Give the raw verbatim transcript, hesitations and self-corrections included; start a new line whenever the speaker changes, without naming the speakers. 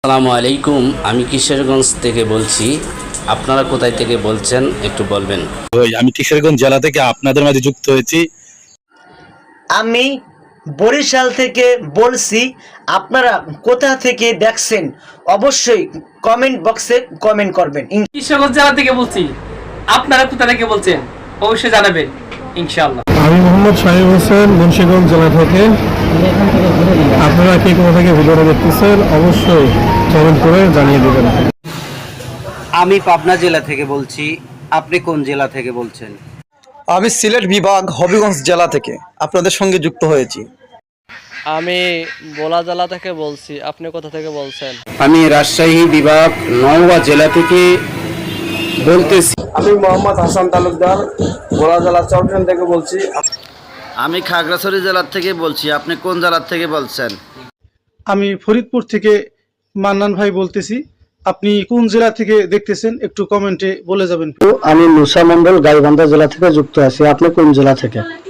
আসসালামু আলাইকুম, আমি কিশোরগঞ্জ থেকে বলছি। আপনারা কোথায় থেকে বলছেন একটু বলবেন?
ওই আমি কিশোরগঞ্জ জেলা থেকে আপনাদের মাঝে যুক্ত হয়েছি।
আমি বরিশাল থেকে বলছি। আপনারা কোথা থেকে দেখছেন অবশ্যই কমেন্ট বক্সে কমেন্ট করবেন।
কিশোরগঞ্জ জেলা থেকে বলছি, আপনারা কোথা থেকে বলছেন অবশ্যই জানাবেন ইনশাআল্লাহ।
আমি মোহাম্মদ শাহিব হোসেন, মুন্সিগঞ্জ জেলা থেকে। আপনারা কে কোথা থেকে ভিডিওটা দেখতেছেন অবশ্যই কমেন্ট করে জানিয়ে দেবেন।
আমি পাবনা জেলা থেকে বলছি, আপনি কোন জেলা থেকে বলছেন?
আমি সিলেট বিভাগ হবিগঞ্জ জেলা থেকে আপনাদের সঙ্গে যুক্ত হয়েছি।
আমি ভোলা জেলা থেকে বলছি, আপনি কোথা থেকে বলছেন?
আমি রাজশাহী বিভাগ নওগাঁ জেলা থেকে বলতেছি।
আমি মোহাম্মদ হাসান তালুকদার, ভোলা জেলা চট্টগ্রাম থেকে বলছি।
আমি খাগড়াছড়ি জেলার থেকে বলছি, আপনি কোন জেলার থেকে বলছেন?
আমি ফরিদপুর থেকে মান্নান ভাই বলতেছি। আপনি কোন জেলা থেকে দেখতেছেন একটু কমেন্টে বলে যাবেন।
আমি মুসা মন্ডল গাইবান্ধা জেলা থেকে যুক্ত আছি। আপনি কোন জেলা থেকে?